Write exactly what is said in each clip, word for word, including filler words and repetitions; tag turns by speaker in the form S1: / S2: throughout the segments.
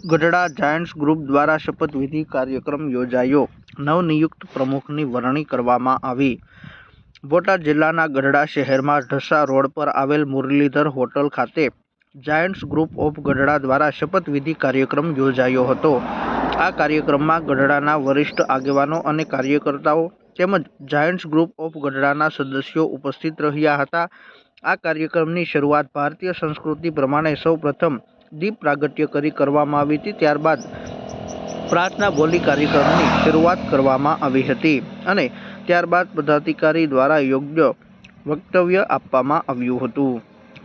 S1: Gadhada Giants group દ્વારા શપથવિધિ કાર્યક્રમ યોજાયો। નવનિયુક્ત પ્રમુખની વરણી કરવામાં આવી। બોટાદ જિલ્લાના ગઢડા શહેરમાં ઢસા રોડ પર આવેલ મુરલીધર હોટલ ખાતે જાયન્ટ્સ ગ્રુપ ઓફ ગઢડા દ્વારા શપથવિધિ કાર્યક્રમ યોજાયો હતો। આ કાર્યક્રમમાં ગઢડાના વરિષ્ઠ આગેવાનો અને કાર્યકર્તાઓ તેમજ જાયન્ટ્સ ગ્રુપ ઓફ ગઢડાના સદસ્યો ઉપસ્થિત રહ્યા હતા। આ કાર્યક્રમની શરૂઆત ભારતીય સંસ્કૃતિ પ્રમાણે સૌ પ્રથમ દીપ પ્રાગટ્ય કરી કરવામાં આવી હતી। ત્યારબાદ પ્રાર્થના બોલી કાર્યક્રમની શરૂઆત કરવામાં આવી હતી અને ત્યારબાદ પદાધિકારી દ્વારા યોગ્ય વક્તવ્ય આપવામાં આવ્યું હતું।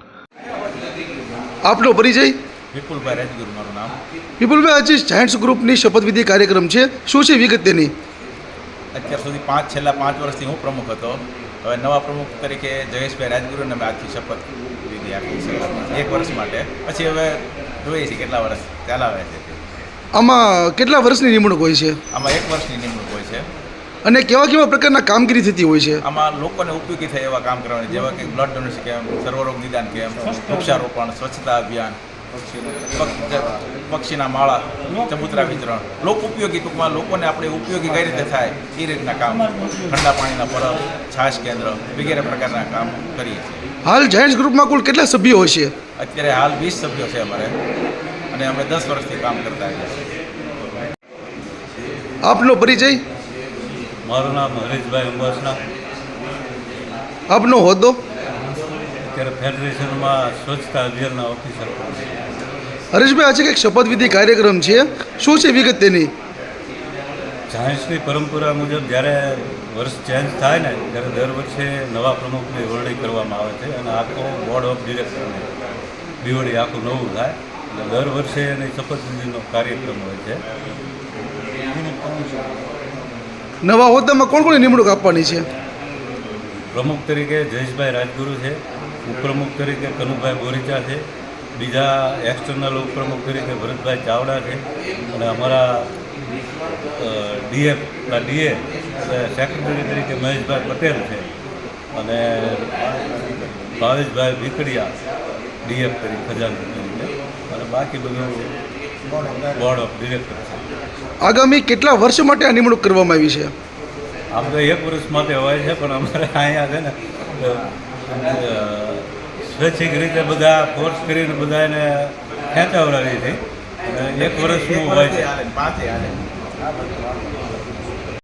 S2: આપનો પરિચય?
S3: વિપુલભાઈ રાજગુરુ મારું નામ।
S2: વિપુલભાઈ, આજે જાયન્ટ્સ ગ્રુપની શપથવિધિ કાર્યક્રમ છે, શું છે વિગત તેની?
S3: અત્યાર સુધી પાંચ છેલ્લા પાંચ વર્ષથી હું પ્રમુખ હતો। હવે નવા પ્રમુખ તરીકે જયેશભાઈ રાજગુરુને મેં આજથી શપથ વિધિ આપી છે એક વર્ષ માટે। પછી હવે જોઈએ છીએ કેટલા વર્ષ ચાલાવે છે।
S2: આમાં કેટલા વર્ષની નિમણૂક હોય છે?
S3: આમાં એક વર્ષની નિમણૂક હોય છે
S2: અને કેવા કેવા પ્રકારના કામગીરી થતી હોય છે?
S3: આમાં લોકોને ઉપયોગી થાય એવા કામ કરવાની, જેવા કે બ્લડ ડોનેશન કેમ્પ, સર્વરોગ નિદાન કેમ્પ, વૃક્ષારોપણ, સ્વચ્છતા અભિયાન, પક્ષીના માળા, ચબૂતરા વિતરણ, લોક ઉપયોગી, ટૂંકમાં લોકોને આપણે ઉપયોગી કઈ રીતે થાય એ રીતના કામ, ઠંડા પાણીના પરબ, છાશ કેન્દ્ર વગેરે પ્રકારના કામ કરીએ છીએ।
S2: હાલ જાયન્ટ્સ ગ્રુપમાં કુલ કેટલા સભ્યો હોય છે?
S3: અત્યારે હાલ વીસ સભ્યો છે અમારે અને અમે દસ વર્ષથી કામ કરતા આવીએ છીએ।
S2: આપનો પરિચય?
S4: મારું નામ હરીશભાઈ અંબાસના।
S2: આપનો હોદ્દો?
S4: અત્યારે ફેડરેશનમાં સ્વચ્છતા અભિયાનના ઓફિસર।
S2: હરીશભાઈ, આજે કંઈક શપથવિધિ કાર્યક્રમ છે, શું છે વિગત તેની?
S4: જાયન્ટ્સની પરંપરા મુજબ જ્યારે વર્ષ ચેન્જ થાય ને ત્યારે દર વર્ષે નવા પ્રમુખની વરણી કરવામાં આવે છે અને આખો બોર્ડ ઓફ ડિરેક્ટરને બીવડી આખું નવું થાય એટલે દર વર્ષે એની શપથવિધિનો કાર્યક્રમ હોય છે।
S2: નવા હોદ્દામાં કોણ કોની નિમણૂક આપવાની છે?
S4: પ્રમુખ તરીકે જયેશભાઈ રાજગુરુ છે, ઉપપ્રમુખ તરીકે કનુભાઈ બોરીચા છે, બીજા એક્સટર્નલ ઉપપ્રમુખ તરીકે ભરતભાઈ ચાવડા છે અને અમારા ડીએફ ડીએ સેક્રેટરી તરીકે મહેશભાઈ પટેલ છે અને ભાવેશભાઈ ભીકડિયા ડીએફ તરીકે ખજાનચી તરીકે અને બાકી બધું બોર્ડ ઓફ ડિરેક્ટર છે।
S2: આગામી કેટલા વર્ષ માટે આ નિમણૂક કરવામાં આવી છે?
S4: આમ તો એક વર્ષ માટે હોય છે, પણ અમારે અહીંયા છે ને સ્વૈચ્છિક રીતે બધા ફોર્સ કરીને બધા એને ખેંચાવડાવી હતી અને એક વર્ષનું હોય છે।